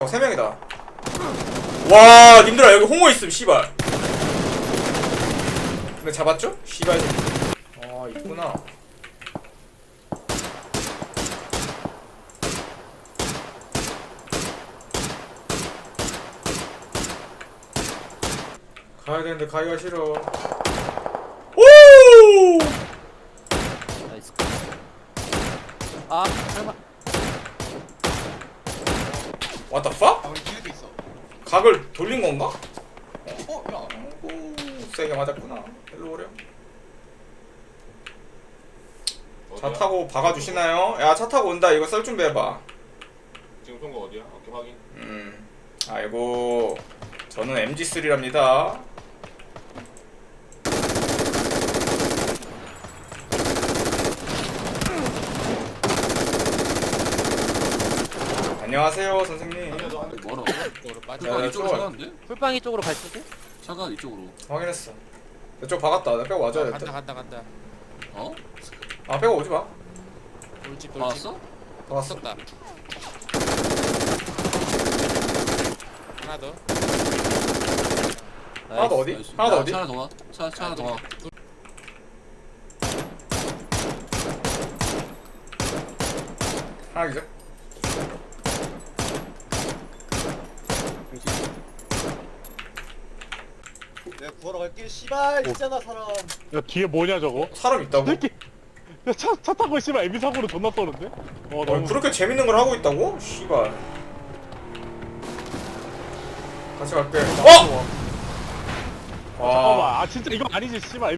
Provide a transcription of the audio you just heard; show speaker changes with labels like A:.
A: 3명이다. 와, 님들아 여기 홍어 있음 씨발. 근데 잡았죠? 씨발. 아, 있구나. 가야 되는데 가기가 싫어. 오!
B: 나이스. 아, 설마.
A: What the fuck?
C: 아 우리 뒤에도 있어.
A: 각을 돌린 건가?
C: 어? 야
A: 오, 세게 맞았구나. 일로 오렴. 차 타고 박아주시나요? 야, 차 타고 온다. 이거 썰 준비해봐.
D: 지금 쏜 거 어디야? 오케이 확인.
A: 아이고, 저는 MG3랍니다. 안녕하세요, 선생님.
E: 멀어.
B: 쪽으로 빠져.
A: 야,
E: 풀빵
A: 나
E: 이쪽으로
A: 쫄아.
E: 차가는데?
B: 풀빵이 쪽으로 갈 수도?
E: 차가 이쪽으로.
A: 확인했어. 이쪽 박았다. 나 빼고 와줘야 될 듯.
B: 간다.
E: 어?
A: 아, 빼고 오지 마.
B: 돌집.
E: 봤어?
A: 박았어.
B: 썼다. 하나 더.
A: 하나 더 어디?
E: 나이스.
A: 하나 더
E: 야,
A: 어디?
E: 차 하나 더 와. 차 하나 더 와.
A: 하나 기절.
C: 내가 구하러 갈게. 씨발 있잖아 사람.
F: 야 뒤에 뭐냐 저거?
A: 사람 있다고?
F: 새끼 차 타고 씨발 애비 사고로 존나 쏘는데? 너무
A: 그렇게 재밌는 걸 하고 있다고? 씨발. 같이 갈게. 어!
F: 잠깐만 아 진짜 이거 아니지 씨발